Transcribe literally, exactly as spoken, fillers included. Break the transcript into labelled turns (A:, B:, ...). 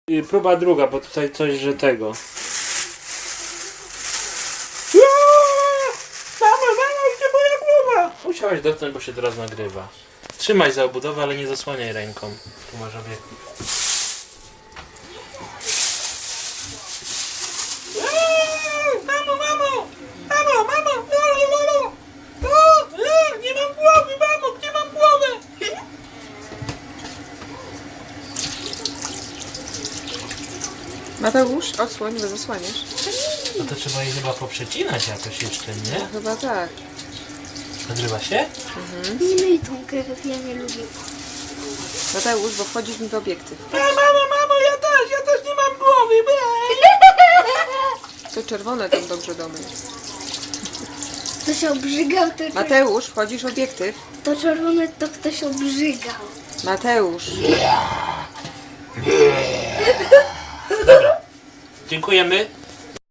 A: I próba druga, bo tutaj coś, że tego. Mama, mama, gdzie moja głowa? Musiałaś dotknąć, bo się teraz nagrywa. Trzymaj za obudowę, ale nie zasłaniaj ręką. Tu masz obiektyw. Mamo, mamo! Mamo, mamo! Mamo, mamo! Nie mam głowy, mamo! Gdzie mam głowę?
B: Mateusz, odsłoń, bo zasłaniasz.
A: No to trzeba jej chyba poprzecinać jakoś jeszcze, nie?
B: No, chyba tak.
A: Nagrywa się?
C: Nie myj tą krew, ja nie lubię.
B: Mateusz, bo wchodzisz mi w obiektyw.
A: A, mamo, mamo, ja też, ja też nie mam głowy.
B: To czerwone tam dobrze domy.
C: To się obrzygał, to,
B: Mateusz, wchodzisz w obiektyw.
C: to czerwone to ktoś obrzygał.
B: Mateusz.
A: Dobra. Dziękujemy.